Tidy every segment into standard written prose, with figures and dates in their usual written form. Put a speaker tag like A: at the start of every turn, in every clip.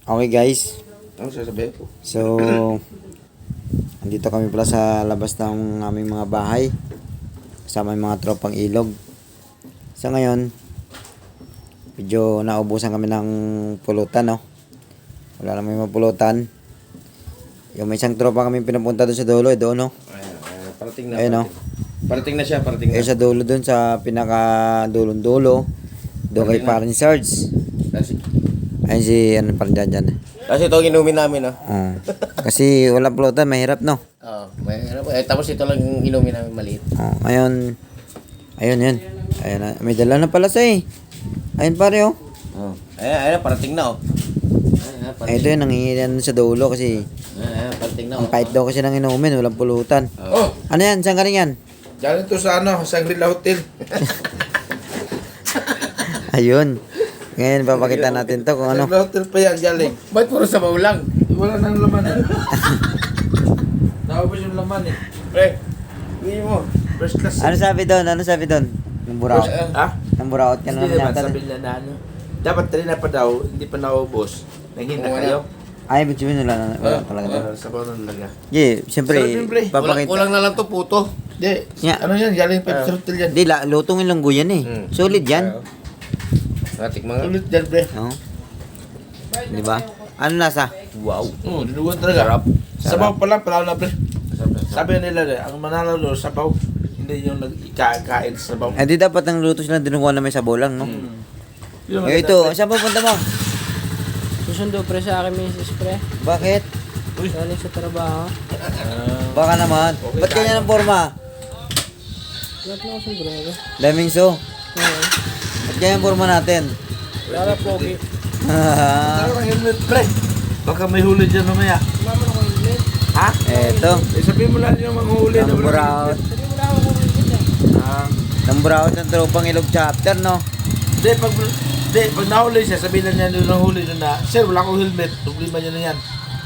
A: Okay guys,
B: Ano sasabihin ko?
A: so andito kami pala sa labas ng aming mga bahay kasama yung mga tropang ilog. Sa ngayon, medyo naubusan kami ng pulutan, no? Wala naman yung mapulutan. Yung may isang tropa kami pinapunta doon sa dulo, doon, no?
B: Parating na.
A: Ayun, no?
B: Parating na siya, parating na.
A: Sa dulo doon, sa pinaka-dulong dulo, doon kay Parin Sarge. Ayun si, ano pa rin dyan.
B: Kasi ito ang inumin namin, no?
A: Kasi wala pulutan, mahirap, no?
B: Oo. Tapos ito lang yung inumin namin maliit.
A: Ngayon, ayun, yun. Ayun na, may dala na pala siya eh. Ayun pare, oh.
B: Oo. Ayan, parating na, oh.
A: Ito yun, nanginginan sa dulo kasi
B: Ayan, parating na,
A: ang kahit daw kasi nang inumin, walang pulutan.
B: Oh!
A: Ano yan? Saan galing yan?
C: Diyan ito sa Shangri-La Hotel.
A: Ayun. Ngayon, papakita natin to kung ano.
C: Shangri-La Hotel pa yan, galing.
B: Ba't puro sabaw lang?
C: Wala nang laman eh. Naubos yung laman eh.
B: Pre, hindi mo.
C: First class.
A: Ano sabi doon? Ano sabi doon? Nang buraot.
C: Ha?
A: Nang buraot ka
C: Hindi
A: naman
C: naman,
A: yata.
C: sabi nila na ano. Dapat rin na pa daw, hindi pa naubos. Nanghina
B: Oo,
C: kayo.
A: Ay, ibig sabihin wala talaga.
C: Sabaw na talaga.
A: Yeah, siyempre,
C: Sarap yun, pre.
A: papakita.
B: Kulang na lang to puto.
C: Hindi,
A: Nga.
C: ano yan, galing Pepsi Hotel yan.
A: Hindi, lutong yung langgo yan eh. Solid yan.
B: Natik mga.
C: Ulit yan, pre.
A: Oo. Di ba? Ano nasa?
B: Wow.
C: Oo, dinugan talaga. Sabaw pa lang, pala na, pre. Sabi nila, ang manalo doon, sabaw. Hindi yung nag-ikain sa sabaw.
A: Eh di dapat ang luto sila dinukuha na may sabaw lang, no?
C: Yung
A: Eh
C: maganda,
A: ito,
C: pre.
A: saan pupunta mo?
D: Susundo pre sa akin, Mrs. Pre.
A: Bakit?
D: Galing sa trabaho.
A: Baka naman. Ba't kanya ng forma?
D: Lahat na ako sombrero.
A: Daming so.
D: Oo.
A: Ba't kanya ang forma natin?
D: Para pogi.
C: Ano ang helmet, pre? Baka may huli dyan mamaya.
D: Mama na ko helmet.
C: Ha?
A: Eto.
C: Eh, sabihin mo lang yung mga huli.
A: Ang buraot.
D: Sabi mo na ako kung helmet eh.
A: Ang buraot ng tropang ilog chapter, no?
C: Pag nahuli siya, sabihin lang niya yung nahuli doon na, Sir, wala akong helmet. Problema niya na yan.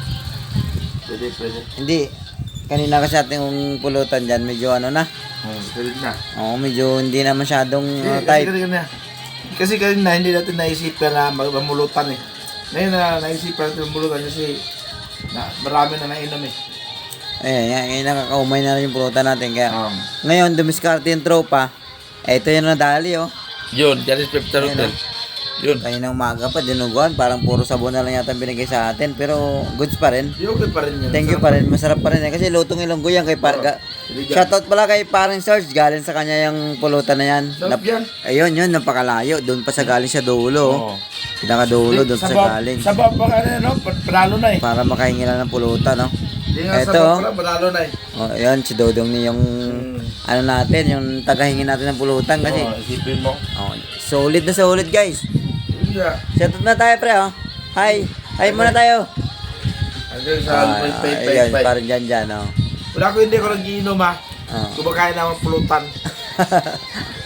C: Pwede.
A: Hindi. Kanina kasi ating pulutan dyan, medyo ano na.
C: Pwede na.
A: Oo, medyo hindi na masyadong type.
C: Kasi kanina, hindi natin naisipan na mamulutan eh. Ngayon na naisipan natin mamulutan kasi marami na nainom eh.
A: Ayan, ngayon nakakaumay na rin yung pulutan natin. Kaya ngayon, dumiskarte yung tropa. Ito yung nadali, oh.
C: Yun, dyan is Pepsi Hotel. Yun.
A: Kanina umaga pa, dinuguan. Parang puro sabon na lang yata ang binigay sa atin. Pero goods pa rin.
C: Yung okay pa rin yun.
A: Thank you pa rin. Masarap pa rin eh. Kasi lutong ilonggo yan kay Shoutout pala kay Paring Sarge. Galing sa kanya yung pulutan na yan.
C: Sarap yan.
A: Ayun, yun. Napakalayo. Doon pa sa galing sa dulo.
C: Oo.
A: Pinakadulo doon sa galing.
C: Sabaw pa ka na, no? Panalo na eh.
A: Para makahingi lang ng pulutan, no?
C: Hindi nga
A: Eto.
C: sabaw pa lang, panalo na eh.
A: Oh, ayun, si Dodong ni yung ano natin, yung tagahingi natin ng pulutan kasi.
C: Oo, isipin mo.
A: Oh, solid na solid, guys.
C: Yun nga.
A: Shoutout na tayo, pre, oh. Hi. Hi muna tayo.
C: Hanggang sa
A: Ayun, parang dyan, oh.
C: Wala ko hindi ako nag-iinom ha.
A: Oh.
C: Kumakain naman pulutan.